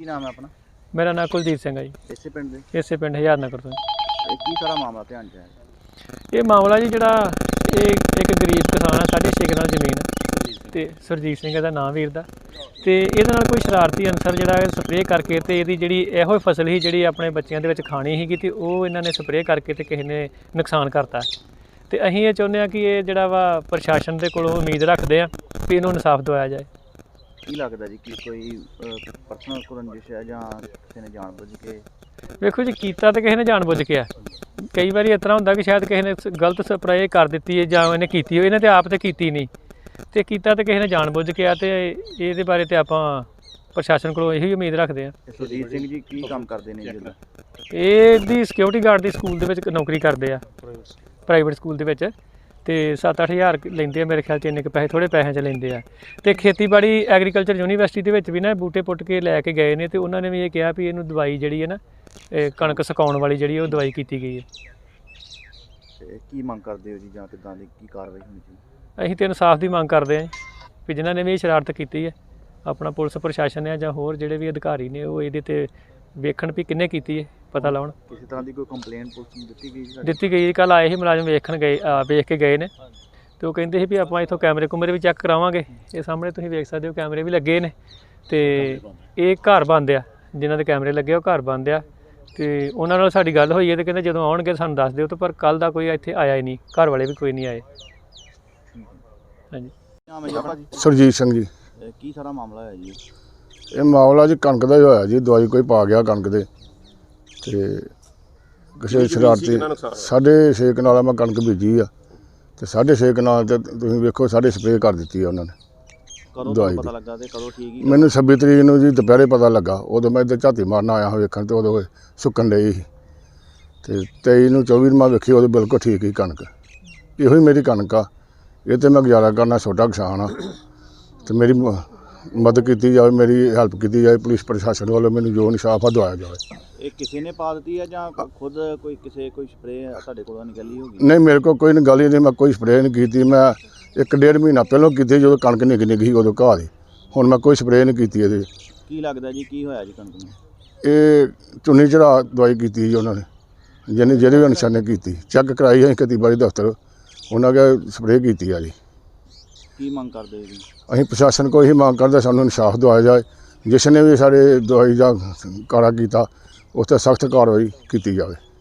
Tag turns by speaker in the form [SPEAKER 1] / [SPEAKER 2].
[SPEAKER 1] ਕੀ ਨਾਮ ਹੈ ਆਪਣਾ?
[SPEAKER 2] ਮੇਰਾ ਨਾਮ ਕੁਲਦੀਪ ਸਿੰਘ ਹੈ ਜੀ।
[SPEAKER 1] ਇਸੇ ਪਿੰਡ ਦੇ?
[SPEAKER 2] ਇਸੇ ਪਿੰਡ ਹਜ਼ਾਰ ਨਗਰ ਤੋਂ।
[SPEAKER 1] ਇਹ ਕੀ ਸਾਰਾ ਮਾਮਲਾ ਧਿਆਨ 'ਚ ਆਇਆ?
[SPEAKER 2] ਇਹ ਮਾਮਲਾ ਜੀ ਜਿਹੜਾ ਇਹ ਇੱਕ ਗਰੀਬ ਕਿਸਾਨ ਆ, 6.5 ਕਨਾਲ ਜ਼ਮੀਨ ਤੇ ਸਰਜੀਤ ਸਿੰਘ ਦਾ ਨਾਂ ਵੀਰ ਦਾ, ਤੇ ਇਹਦੇ ਨਾਲ ਕੋਈ ਸ਼ਰਾਰਤੀ ਅਨਸਰ ਜਿਹੜਾ ਸਪਰੇਅ ਕਰਕੇ ਤੇ ਇਹਦੀ ਜਿਹੜੀ ਇਹੋ ਫਸਲ ਸੀ ਜਿਹੜੀ ਆਪਣੇ ਬੱਚਿਆਂ ਦੇ ਵਿੱਚ ਖਾਣੀ ਸੀਗੀ ਤੇ ਉਹ ਇਹਨਾਂ ਨੇ ਸਪਰੇਅ ਕਰਕੇ ਤੇ ਕਿਸੇ ਨੇ ਨੁਕਸਾਨ ਕਰਤਾ। ਤੇ ਅਸੀਂ ਇਹ ਚਾਹੁੰਦੇ ਹਾਂ ਕਿ ਇਹ ਜਿਹੜਾ ਵਾ ਪ੍ਰਸ਼ਾਸਨ ਦੇ ਕੋਲੋਂ ਉਮੀਦ ਰੱਖਦੇ ਆ ਕਿ ਇਹਨੂੰ ਇਨਸਾਫ ਦਿਵਾਇਆ ਜਾਏ।
[SPEAKER 1] ਕੀ ਲੱਗਦਾ ਜੀ ਕਿ ਕੋਈ ਪਰਸਨਲ ਰੰਜਿਸ਼ ਹੈ ਜਾਂ ਕਿਸੇ ਨੇ ਜਾਣਬੁੱਝ ਕੇ?
[SPEAKER 2] ਵੇਖੋ ਜੀ, ਕੀਤਾ ਤਾਂ ਕਿਸੇ ਨੇ ਜਾਣਬੁੱਝ ਕੇ ਆ। ਕਈ ਵਾਰੀ ਇਸ ਤਰ੍ਹਾਂ ਹੁੰਦਾ ਕਿ ਸ਼ਾਇਦ ਕਿਸੇ ਨੇ ਗਲਤ ਸਪਰੇਅ ਕਰ ਦਿੱਤੀ ਹੈ ਜਾਂ ਇਹਨੇ ਕੀਤੀ ਹੋਈ, ਇਹਨੇ ਤੇ ਆਪ ਤੇ ਕੀਤੀ ਨਹੀਂ, ਤੇ ਕੀਤਾ ਤਾਂ ਕਿਸੇ ਨੇ ਜਾਣਬੁੱਝ ਕੇ ਆ। ਤੇ ਇਹਦੇ ਬਾਰੇ ਤੇ ਆਪਾਂ ਪ੍ਰਸ਼ਾਸਨ ਕੋਲੋਂ ਇਹੀ ਉਮੀਦ ਰੱਖਦੇ ਆ।
[SPEAKER 1] ਸੁਰਜੀਤ ਸਿੰਘ ਜੀ ਕੀ ਕੰਮ ਕਰਦੇ ਨੇ ਜੀ?
[SPEAKER 2] ਇਹਦੀ ਸਿਕਿਉਰਿਟੀ ਗਾਰਡ ਦੀ ਸਕੂਲ ਦੇ ਵਿੱਚ ਨੌਕਰੀ ਕਰਦੇ ਆ, ਪ੍ਰਾਈਵੇਟ ਸਕੂਲ ਦੇ ਵਿੱਚ, ਤੇ 7-8 ਹਜ਼ਾਰ ਲੈਂਦੇ ਆ ਮੇਰੇ ਖਿਆਲ 'ਚ। ਇੰਨੇ ਕੁ ਪੈਸੇ ਥੋੜ੍ਹੇ ਪੈਸਿਆਂ 'ਚ ਲੈਂਦੇ ਆ। ਤੇ ਖੇਤੀਬਾੜੀ ਐਗਰੀਕਲਚਰ ਯੂਨੀਵਰਸਿਟੀ ਦੇ ਵਿੱਚ ਵੀ ਨਾ ਬੂਟੇ ਪੁੱਟ ਕੇ ਲੈ ਕੇ ਗਏ ਨੇ, ਤੇ ਉਹਨਾਂ ਨੇ ਵੀ ਇਹ ਕਿਹਾ ਵੀ ਇਹਨੂੰ ਦਵਾਈ ਜਿਹੜੀ ਹੈ ਨਾ ਕਣਕ ਸੁਕਾਉਣ ਵਾਲੀ ਜਿਹੜੀ ਉਹ ਦਵਾਈ ਕੀਤੀ ਗਈ ਹੈ।
[SPEAKER 1] ਤੇ ਕੀ ਮੰਗ ਕਰਦੇ ਹੋ ਜੀ, ਜਾਂ ਕਿੱਦਾਂ ਦੀ ਕੀ ਕਾਰਵਾਈ ਹੋਣੀ ਚਾਹੀਦੀ?
[SPEAKER 2] ਅਸੀਂ ਤਾਂ ਇਨਸਾਫ ਦੀ ਮੰਗ ਕਰਦੇ ਹਾਂ ਵੀ ਜਿਨ੍ਹਾਂ ਨੇ ਵੀ ਇਹ ਸ਼ਰਾਰਤ ਕੀਤੀ ਹੈ, ਆਪਣਾ ਪੁਲਿਸ ਪ੍ਰਸ਼ਾਸਨ ਹੈ ਜਾਂ ਹੋਰ ਜਿਹੜੇ ਵੀ ਅਧਿਕਾਰੀ ਨੇ ਉਹ ਇਹਦੇ 'ਤੇ ਵੇਖਣ ਵੀ ਕਿਹਨੇ ਕੀਤੀ ਹੈ, ਪਤਾ ਲਾਉਣ।
[SPEAKER 1] ਕਿਸੇ ਤਰ੍ਹਾਂ ਦੀ ਕੋਈ ਕੰਪਲੇਂਟ ਪੁਲਿਸ ਨੂੰ ਦਿੱਤੀ ਗਈ?
[SPEAKER 2] ਦਿੱਤੀ ਗਈ। ਕੱਲ੍ਹ ਆਏ ਸੀ ਮੁਲਾਜ਼ਮ, ਵੇਖ ਕੇ ਗਏ ਨੇ, ਤੇ ਉਹ ਕਹਿੰਦੇ ਸੀ ਵੀ ਆਪਾਂ ਇੱਥੋਂ ਕੈਮਰੇ ਕੁਮਰੇ ਵੀ ਚੈੱਕ ਕਰਾਵਾਂਗੇ। ਇਹ ਸਾਹਮਣੇ ਤੁਸੀਂ ਵੇਖ ਸਕਦੇ ਹੋ ਕੈਮਰੇ ਵੀ ਲੱਗੇ ਨੇ, ਤੇ ਇਹ ਘਰ ਬੰਦ ਆ, ਜਿਨ੍ਹਾਂ ਦੇ ਕੈਮਰੇ ਲੱਗੇ ਉਹ ਘਰ ਬੰਦ ਆ। ਤੇ ਉਹਨਾਂ ਨਾਲ ਸਾਡੀ ਗੱਲ ਹੋਈ ਹੈ ਤੇ ਕਹਿੰਦੇ ਜਦੋਂ ਆਉਣਗੇ ਸਾਨੂੰ ਦੱਸ ਦਿਓ। ਤੇ ਪਰ ਕੱਲ੍ਹ ਦਾ ਕੋਈ ਇੱਥੇ ਆਇਆ ਹੀ ਨਹੀਂ, ਘਰ ਵਾਲੇ ਵੀ ਕੋਈ ਨਹੀਂ ਆਏ। ਹਾਂਜੀ।
[SPEAKER 1] ਨਾਮ ਹੈ ਜੀ ਆਪਣਾ?
[SPEAKER 3] ਸਰਜੀਤ ਸਿੰਘ ਜੀ।
[SPEAKER 1] ਕੀ ਸਾਰਾ ਮਾਮਲਾ ਹੋਇਆ ਜੀ?
[SPEAKER 3] ਇਹ ਮਾਮਲਾ ਜੀ ਕਣਕ ਦਾ ਹੀ ਹੋਇਆ ਜੀ। ਦਵਾਈ ਕੋਈ ਪਾ ਗਿਆ ਕਣਕ ਦੇ, ਤੇ ਕਿਸੇ ਸ਼ਰਾਰਤੀ 6.5 ਕਨਾਲ ਮੈਂ ਕਣਕ ਬੀਜੀ ਆ, ਤੇ 6.5 ਕਨਾਲ ਤੇ ਤੁਸੀਂ ਵੇਖੋ ਸਪਰੇਅ ਕਰ ਦਿੱਤੀ ਆ ਉਹਨਾਂ ਨੇ।
[SPEAKER 1] ਕਦੋਂ
[SPEAKER 3] ਦਵਾਈ
[SPEAKER 1] ਪਤਾ ਲੱਗਾ ਤੇ ਕਦੋਂ ਠੀਕ ਹੀ?
[SPEAKER 3] ਮੈਨੂੰ 26 ਤਰੀਕ ਨੂੰ ਜੀ ਦੁਪਹਿਰੇ ਪਤਾ ਲੱਗਾ। ਉਦੋਂ ਮੈਂ ਇੱਧਰ ਝਾਤੀ ਮਾਰਨ ਆਇਆ ਹਾਂ ਵੇਖਣ, ਤੇ ਉਦੋਂ ਸੁੱਕਣ ਡਈ ਸੀ। ਤੇ 23 ਨੂੰ 24 ਮੈਂ ਵੇਖੀ, ਉਦੋਂ ਬਿਲਕੁਲ ਠੀਕ ਹੀ ਕਣਕ। ਇਹੋ ਹੀ ਮੇਰੀ ਕਣਕ ਆ, ਇਹ ਤੇ ਮੈਂ ਗੁਜ਼ਾਰਾ ਕਰਨਾ, ਛੋਟਾ ਕਿਸਾਨ ਆ। ਤੇ ਮੇਰੀ ਮਦਦ ਕੀਤੀ ਜਾਵੇ, ਮੇਰੀ ਹੈਲਪ ਕੀਤੀ ਜਾਵੇ, ਪੁਲਿਸ ਪ੍ਰਸ਼ਾਸਨ ਵੱਲੋਂ ਮੈਨੂੰ ਜੋ ਇਨਸਾਫ ਆ ਦਵਾਇਆ ਜਾਵੇ।
[SPEAKER 1] ਇਹ ਕਿਸੇ ਨੇ ਪਾ ਦਿੱਤੀ ਹੈ ਜਾਂ ਖੁਦ ਕੋਈ ਸਪਰੇਅ ਤੁਹਾਡੇ ਕੋਲੋਂ ਨਿਕਲੀ ਹੋਗੀ?
[SPEAKER 3] ਨਹੀਂ, ਮੇਰੇ ਕੋਲ ਕੋਈ ਗੱਲ ਹੀ ਨਹੀਂ, ਮੈਂ ਕੋਈ ਸਪਰੇਅ ਨਹੀਂ ਕੀਤੀ। ਮੈਂ 1.5 ਮਹੀਨਾ ਪਹਿਲਾਂ ਕੀਤੀ, ਜਦੋਂ ਕਣਕ ਨਿੱਘੀ ਸੀ ਉਦੋਂ ਘਾਹ ਦੀ। ਹੁਣ ਮੈਂ ਕੋਈ ਸਪਰੇਅ ਨਹੀਂ ਕੀਤੀ ਇਹਦੇ।
[SPEAKER 1] ਕੀ ਲੱਗਦਾ ਜੀ ਕੀ ਹੋਇਆ ਜੀ ਕਣਕ ਨੂੰ?
[SPEAKER 3] ਇਹ ਚੁੰਨੀ ਚੜਾ ਦਵਾਈ ਕੀਤੀ ਜੀ ਉਹਨਾਂ ਨੇ, ਜਿਹੜੇ ਵੀ ਅਨਸਰ ਨੇ ਕੀਤੀ। ਚੈੱਕ ਕਰਾਈ ਅਸੀਂ ਖੇਤੀਬਾੜੀ ਦਫ਼ਤਰ, ਉਹਨਾਂ ਕੇ ਸਪਰੇਅ ਕੀਤੀ ਆ ਜੀ।
[SPEAKER 1] ਕੀ ਮੰਗ ਕਰਦੇ ਜੀ?
[SPEAKER 3] ਅਸੀਂ ਪ੍ਰਸ਼ਾਸਨ ਕੋਲ ਇਹੀ ਮੰਗ ਕਰਦੇ, ਸਾਨੂੰ ਇਨਸਾਫ ਦਿਵਾਇਆ ਜਾਏ। ਜਿਸ ਨੇ ਵੀ ਸਾਡੇ ਦਵਾਈ ਦਾ ਕਾਰਾ ਕੀਤਾ ਉਸ 'ਤੇ ਸਖਤ ਕਾਰਵਾਈ ਕੀਤੀ ਜਾਵੇ।